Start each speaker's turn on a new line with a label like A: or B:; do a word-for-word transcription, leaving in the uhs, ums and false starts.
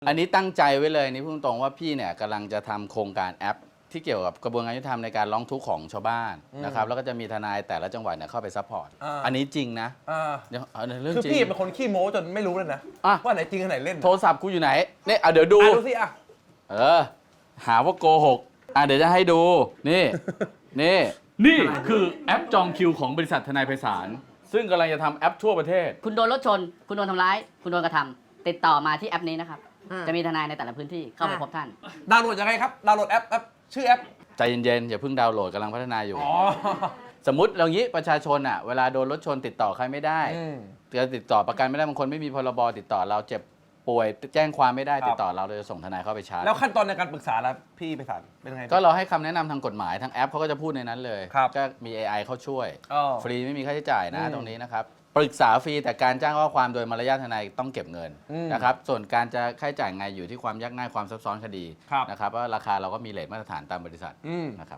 A: อันนี้ตั้งใจไว้เลยนี่พูดตรงว่าพี่เนี่ยกำลังจะทำโครงการแอป ที่เกี่ยวกับกระบวนการยุติธรรมในการร้องทุกข์ของชาวบ้านนะครับแล้วก็จะมีทนายแต่ละจังหวัดเนี่ยเข้าไปซัพพอร์ตอันนี้จริงนะเดี๋ยวเอาเรื่องจริง
B: คือพี่เป็นคนขี้โม้จนไม่รู้เลยนะว่าไหนจริงอันไหนเล่น
A: โทรศัพท์กูอยู่ไหนเนี่ยเดี๋ยวดู
B: ดูสิอ่ะ
A: เออหาว่าโกหกอ่ะเดี๋ยวจะให้ดูนี่นี่นี่คือแอปจองคิวของบริษัททนายไพศาลซึ่งกำลังจะทำแอปทั่วประเทศ
C: คุณโดนรถชนคุณโดนทำร้ายคุณโดนกระทำติดต่อมาที่แอปนี้นะครับจะมีทนายในแต่ละพื้นที่เข้าไปพบท่าน
B: ดาวน์โหลดยังไงครับดาวน์โหลดแอปแอปชื่อแอป
A: ใจเย็นๆอย่าเพิ่งดาวน์โหลดกำลังพัฒนาอยู่สมมติเรางี้ประชาชนอ่ะเวลาโดนรถชนติดต่อใครไม่ได้จะติดต่อประกันไม่ได้บางคนไม่มีพรบติดต่อเราเจ็บป่วยแจ้งความไม่ได้ติดต่อเราเราจะส่งทนายเข้าไปชาร์จ
B: แล้วขั้นตอนในการปรึกษาแล้วพี่ไปสานเป็นไง
A: ก็เราให้คำแนะนำทางกฎหมายทางแอปเขาก็จะพูดในนั้นเลยก็มี เอ ไอ เข้าช่วยฟรีไม่มีค่าใช้จ่ายนะตรงนี้นะครับปรึกษาฟรีแต่การจ้างข้อความโดยมารยาททนายต้องเก็บเงินนะครับส่วนการจะค่าใช้จ่ายไงอยู่ที่ความยากง่ายความซับซ้อนคดีนะครับว่าราคาเราก็มีเรทมาตรฐานตามบริษัทนะครับ